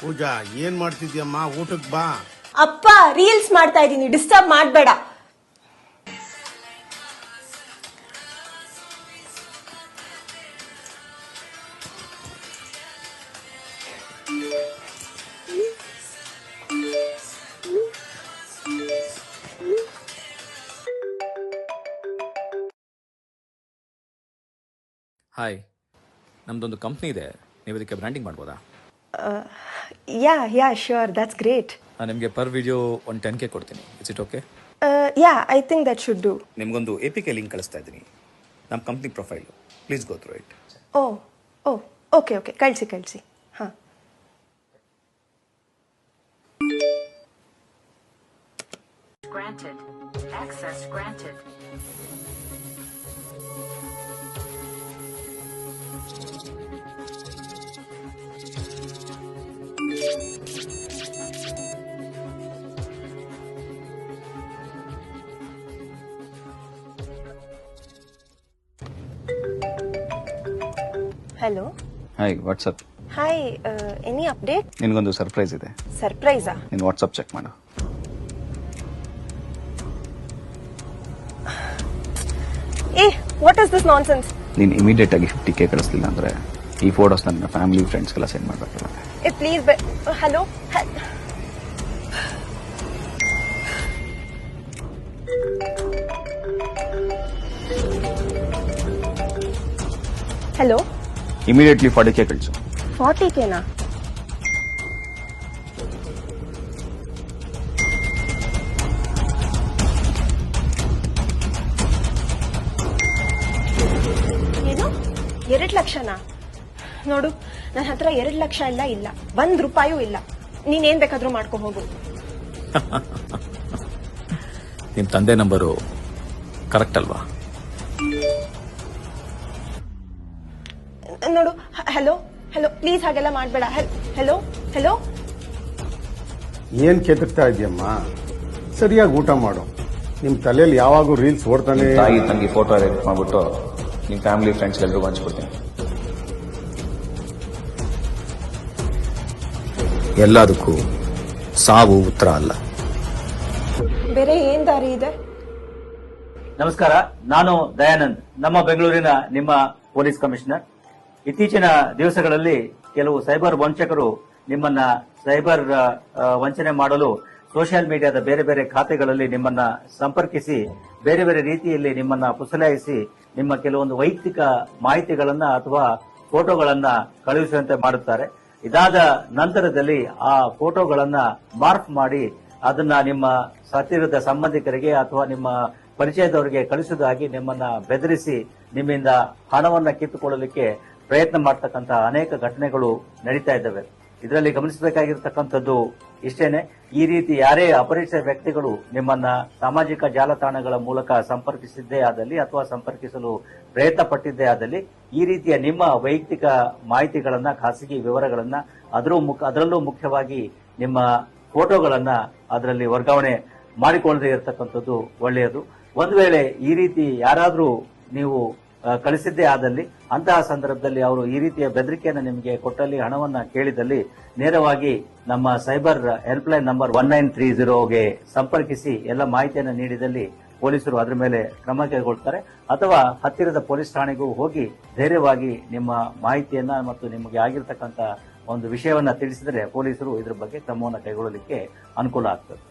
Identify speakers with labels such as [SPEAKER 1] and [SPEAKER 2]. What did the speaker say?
[SPEAKER 1] ಪೂಜಾ ಏನ್ ಮಾಡ್ತಿದ್ಯಮ್ಮ? ಊಟಕ್ಕೆ ಬಾ.
[SPEAKER 2] ಅಪ್ಪ ರೀಲ್ಸ್ ಮಾಡ್ತಾ ಇದೀನಿ, ಡಿಸ್ಟರ್ಬ್ ಮಾಡಬೇಡ.
[SPEAKER 3] ಹಾಯ್, ನಮ್ದೊಂದು ಕಂಪ್ನಿ ಇದೆ, ನೀವು ಇದಕ್ಕೆ ಬ್ರ್ಯಾಂಡಿಂಗ್ ಮಾಡ್ಬೋದಾ?
[SPEAKER 2] Yeah sure, that's great.
[SPEAKER 3] ನಾನು ನಿಮಗೆ ಪರ್ ವಿಡಿಯೋ ಒಂದು 10K ಕೊಡ್ತೀನಿ. It's it okay?
[SPEAKER 2] Yeah, I think that should do.
[SPEAKER 3] ನಿಮಗೊಂದು APK ಲಿಂಕ್ ಕಳಿಸ್ತಾ ಇದ್ದೀನಿ, ನಮ್ಮ company profile. Please go through it.
[SPEAKER 2] Okay ಕಳಿಸಿ. ಹಾಂ.
[SPEAKER 4] Granted. Access granted.
[SPEAKER 2] Hello.
[SPEAKER 5] Hi, WhatsApp.
[SPEAKER 2] Hi, any update?
[SPEAKER 5] ನಿನಗೊಂದು ಸರ್ಪ್ರೈಸ್ ಇದೆ.
[SPEAKER 2] ಸರ್ಪ್ರೈಸಾ?
[SPEAKER 5] ನೀನು ವಾಟ್ಸಪ್ ಚೆಕ್ ಮಾಡು.
[SPEAKER 2] What is this nonsense?
[SPEAKER 5] ನೀನು ಇಮಿಡಿಯೇಟ್ ಆಗಿ 50K ಕಳಿಸ್ಲಿಲ್ಲ ಅಂದ್ರೆ ಈ ಫೋಟೋಸ್ ನನ್ನ ಫ್ಯಾಮಿಲಿ ಫ್ರೆಂಡ್ಸ್ಗೆಲ್ಲ ಸೆಂಡ್ ಮಾಡಬೇಕಲ್ಲ.
[SPEAKER 2] Please. Hello. Hello.
[SPEAKER 5] Immediately 40K ಕಳಿಸು.
[SPEAKER 2] 40Kನಾ? ಏನು, 2 ಲಕ್ಷನಾ? ನೋಡು, ನನ್ನ ಹತ್ರ 2 ಲಕ್ಷ ಇಲ್ಲ, 1 ರೂಪಾಯೂ ಇಲ್ಲ. ನೀನೇನ್ ಬೇಕಾದ್ರೂ ಮಾಡ್ಕೊ ಹೋಗು.
[SPEAKER 3] ನಿಮ್ಮ ತಂದೆ ನಂಬರು ಕರೆಕ್ಟ್ ಅಲ್ವಾ?
[SPEAKER 2] ನೋಡು, ಹಲೋ ಪ್ಲೀಸ್ ಹಾಗೆಲ್ಲ ಮಾಡಬೇಡ. ಹಲೋ.
[SPEAKER 1] ಏನ್ ಕೆದಕ್ತಾ ಇದೆಯಮ್ಮ? ಸರಿಯಾಗಿ ಊಟ ಮಾಡು. ನಿಮ್ ತಲೆಯಲ್ಲಿ ಯಾವಾಗೂ ರೀಲ್ಸ್ ಓಡ್ತಾನೆ.
[SPEAKER 5] ತಾಯಿ ತಂಗಿ ಫೋಟೋ ಎಡಿಟ್ ಮಾಡ್ಬಿಟ್ಟು ನಿಮ್ಮ ಫ್ಯಾಮಿಲಿ ಫ್ರೆಂಡ್ಸ್ ಎಲ್ಲರಿಗೂ ಹಂಚ್ಕೊಡ್ತೀನಿ.
[SPEAKER 3] ಎಲ್ಲದಕ್ಕೂ ಸಾವು ಉತ್ತರ ಅಲ್ಲ.
[SPEAKER 2] ಬೇರೆ ಏನ್ ದಾರಿ ಇದೆ?
[SPEAKER 6] ನಮಸ್ಕಾರ, ನಾನು ದಯಾನಂದ್, ನಮ್ಮ ಬೆಂಗಳೂರಿನ ನಿಮ್ಮ ಪೊಲೀಸ್ ಕಮಿಷನರ್. ಇತ್ತೀಚಿನ ದಿವಸಗಳಲ್ಲಿ ಕೆಲವು ಸೈಬರ್ ವಂಚಕರು ನಿಮ್ಮನ್ನ ಸೈಬರ್ ವಂಚನೆ ಮಾಡಲು ಸೋಷಿಯಲ್ ಮೀಡಿಯಾದ ಬೇರೆ ಬೇರೆ ಖಾತೆಗಳಲ್ಲಿ ನಿಮ್ಮನ್ನ ಸಂಪರ್ಕಿಸಿ ಬೇರೆ ಬೇರೆ ರೀತಿಯಲ್ಲಿ ನಿಮ್ಮನ್ನ ಪುಸಲಾಯಿಸಿ ನಿಮ್ಮ ಕೆಲವೊಂದು ವೈಯಕ್ತಿಕ ಮಾಹಿತಿಗಳನ್ನ ಅಥವಾ ಫೋಟೋಗಳನ್ನ ಕಳುಹಿಸುವಂತೆ ಮಾಡುತ್ತಾರೆ. ಇದಾದ ನಂತರದಲ್ಲಿ ಆ ಫೋಟೋಗಳನ್ನ ಮಾರ್ಕ್ ಮಾಡಿ ಅದನ್ನ ನಿಮ್ಮ ಹತ್ತಿರದ ಸಂಬಂಧಿಕರಿಗೆ ಅಥವಾ ನಿಮ್ಮ ಪರಿಚಯದವರಿಗೆ ಕಳಿಸುವುದಾಗಿ ನಿಮ್ಮನ್ನ ಬೆದರಿಸಿ ನಿಮ್ಮಿಂದ ಹಣವನ್ನ ಕಿತ್ತುಕೊಳ್ಳಲಿಕ್ಕೆ ಪ್ರಯತ್ನ ಮಾಡತಕ್ಕಂತಹ ಅನೇಕ ಘಟನೆಗಳು ನಡೀತಾ ಇದ್ದಾವೆ. ಇದರಲ್ಲಿ ಗಮನಿಸಬೇಕಾಗಿರ್ತಕ್ಕಂಥದ್ದು ಇಷ್ಟೇನೆ, ಈ ರೀತಿ ಯಾರೇ ಅಪರಿಚಿತ ವ್ಯಕ್ತಿಗಳು ನಿಮ್ಮನ್ನ ಸಾಮಾಜಿಕ ಜಾಲತಾಣಗಳ ಮೂಲಕ ಸಂಪರ್ಕಿಸಿದ್ದೇ ಆದಲ್ಲಿ ಅಥವಾ ಸಂಪರ್ಕಿಸಲು ಪ್ರಯತ್ನ ಪಟ್ಟಿದ್ದೇ ಆದಲ್ಲಿ ಈ ರೀತಿಯ ನಿಮ್ಮ ವೈಯಕ್ತಿಕ ಮಾಹಿತಿಗಳನ್ನ, ಖಾಸಗಿ ವಿವರಗಳನ್ನ, ಅದರಲ್ಲೂ ಮುಖ್ಯವಾಗಿ ನಿಮ್ಮ ಫೋಟೋಗಳನ್ನ ಅದರಲ್ಲಿ ವರ್ಗಾವಣೆ ಮಾಡಿಕೊಳ್ಳದೆ ಇರತಕ್ಕಂಥದ್ದು ಒಳ್ಳೆಯದು. ಒಂದು ವೇಳೆ ಈ ರೀತಿ ಯಾರಾದ್ರೂ ನೀವು ಕಳಿಸಿದ್ದೇ ಆದಲ್ಲಿ ಅಂತಹ ಸಂದರ್ಭದಲ್ಲಿ ಅವರು ಈ ರೀತಿಯ ಬೆದರಿಕೆಯನ್ನು ನಿಮಗೆ ಕೊಟ್ಟಲ್ಲಿ, ಹಣವನ್ನ ಕೇಳಿದಲ್ಲಿ ನೇರವಾಗಿ ನಮ್ಮ ಸೈಬರ್ ಹೆಲ್ಪ್ಲೈನ್ ನಂಬರ್ 1930ಗೆ ಸಂಪರ್ಕಿಸಿ ಎಲ್ಲ ಮಾಹಿತಿಯನ್ನು ನೀಡಿದಲ್ಲಿ ಪೊಲೀಸರು ಅದರ ಮೇಲೆ ಕ್ರಮ ಕೈಗೊಳ್ತಾರೆ. ಅಥವಾ ಹತ್ತಿರದ ಪೊಲೀಸ್ ಠಾಣೆಗೂ ಹೋಗಿ ಧೈರ್ಯವಾಗಿ ನಿಮ್ಮ ಮಾಹಿತಿಯನ್ನ ಮತ್ತು ನಿಮಗೆ ಆಗಿರ್ತಕ್ಕಂಥ ಒಂದು ವಿಷಯವನ್ನ ತಿಳಿಸಿದರೆ ಪೊಲೀಸರು ಇದರ ಬಗ್ಗೆ ಕ್ರಮವನ್ನು ಕೈಗೊಳ್ಳಲಿಕ್ಕೆ ಅನುಕೂಲ ಆಗ್ತದೆ.